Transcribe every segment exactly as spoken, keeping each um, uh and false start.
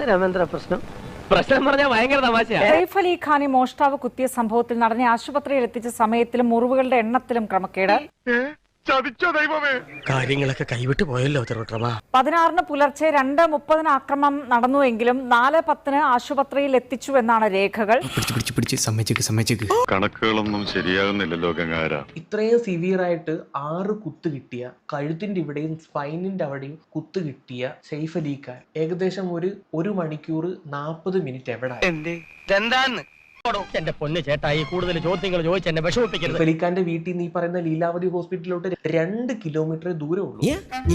രാമേന്ദ്ര പ്രശ്നം പ്രശ്നം പറഞ്ഞാൽ ഭയങ്കര തമാശയാണ്. സൈഫ് അലി ഖാനെ മോഷ്ടാവ് കുത്തിയ സംഭവത്തിൽ നടനെ ആശുപത്രിയിൽ എത്തിച്ച സമയത്തിലും മുറിവുകളുടെ എണ്ണത്തിലും ക്രമക്കേട്. കാര്യങ്ങളൊക്കെ കൈവിട്ട് പോയല്ലോ തിരുവട്ടമ. പതിനാറിന് പുലർച്ചെ രണ്ട് മുപ്പതിന് ആക്രമണം നടന്നുവെങ്കിലും നാല് പത്തിന് ആശുപത്രിയിൽ എത്തിച്ചു എന്നാണ് രേഖകൾ. കണക്കുകളൊന്നും ശരിയാകുന്നില്ലല്ലോ ഗംഗാര. ഇത്രയും സിവിയർ ആയിട്ട് ആറ് കുത്ത് കിട്ടിയ, കഴുത്തിന്റെ ഇവിടെയും സ്പൈനിന്റെ അവിടെയും കുത്ത് കിട്ടിയ സൈഫ് അലി ഖാൻ ഏകദേശം ഒരു ഒരു മണിക്കൂർ നാപ്പത് മിനിറ്റ് എവിടെ? എന്റെ പൊന്ന് ചേട്ടായി, കൂടുതൽ ചോദ്യങ്ങൾ ചോദിച്ച് എന്നെ വിഷമിപ്പിക്കരുത്. സൈഫ് അലി ഖാന്റെ വീട്ടിൽ നിന്ന് ഈ പറയുന്ന ലീലാവതി ഹോസ്പിറ്റലിലോട്ട് രണ്ട് കിലോമീറ്റർ ദൂരം ഉള്ളൂ.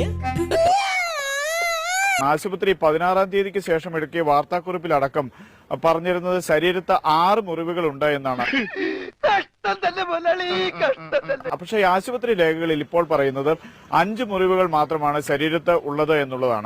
ആശുപത്രി പതിനാറാം തീയതിക്ക് ശേഷം എടുക്കിയ വാർത്താക്കുറിപ്പിലടക്കം പറഞ്ഞിരുന്നത് ശരീരത്ത് ആറ് മുറിവുകൾ ഉണ്ട് എന്നാണ്. പക്ഷേ ആശുപത്രി രേഖകളിൽ ഇപ്പോൾ പറയുന്നത് അഞ്ച് മുറിവുകൾ മാത്രമാണ് ശരീരത്ത് ഉള്ളത് എന്നുള്ളതാണ്.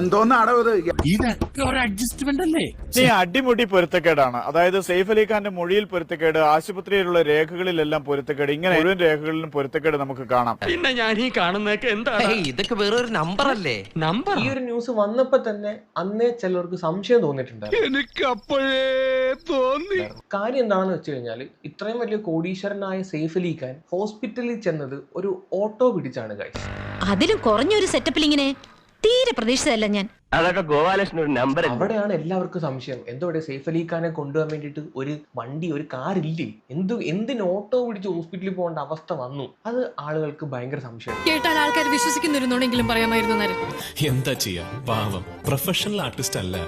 ഈ അടിമുടി പൊരുത്തക്കേടാണ്. അതായത് സൈഫ് അലി ഖാന്റെ മൊഴിയിൽ പൊരുത്തക്കേട്, ആശുപത്രിയിലുള്ള രേഖകളിലെല്ലാം പൊരുത്തക്കേട്, ഇങ്ങനെ മുഴുവൻ രേഖകളിലും പൊരുത്തക്കേട് നമുക്ക് കാണാം. പിന്നെ ഞാൻ ഈ കാണുന്നതൊക്കെ എന്താണ്? ഇതൊക്കെ വേറൊരു നമ്പർ അല്ലേ? നമ്പർ. ഈ ഒരു ന്യൂസ് വന്നപ്പോ തന്നെ അന്നേ ചിലർക്ക് സംശയം തോന്നിയിട്ടുണ്ടായിരുന്നു. എനിക്ക് അപ്പോഴേ തോന്നി. കാര്യം എന്താണെന്ന് വെച്ച് കഴിഞ്ഞാൽ ഇത്രയും വലിയ കോടീശ്വരനായ സൈഫ് അലി ഖാൻ ഹോസ്പിറ്റലിൽ ചെന്നത് ഒരു ഓട്ടോ പിടിച്ചാണ് ഗൈസ്. അതിലും കുറഞ്ഞൊരു സെറ്റപ്പിൽ ഇങ്ങനെ തീരെ പ്രതീക്ഷിച്ചതല്ല ഞാൻ. അതൊക്കെ ഗോപാലകൃഷ്ണൻ ഒരു നമ്പർ. അവിടെയാണ് എല്ലാവർക്കും സംശയം. എന്തോടെ സൈഫ് അലി ഖാനെ കൊണ്ടുപോകാൻ വേണ്ടിയിട്ട് ഒരു വണ്ടി, ഒരു കാർ ഇല്ലേ? എന്ത് എന്തിന് ഓട്ടോ പിടിച്ച് ഹോസ്പിറ്റലിൽ പോകേണ്ട അവസ്ഥ വന്നു? അത് ആളുകൾക്ക് ഭയങ്കര സംശയം. കേട്ടാൽ ആൾക്കാർ വിശ്വസിക്കുന്നിരുന്നോണെങ്കിലും പറയാമായിരുന്നു. എന്താ ചെയ്യാ, പാവം പ്രൊഫഷണൽ ആർട്ടിസ്റ്റ് അല്ല.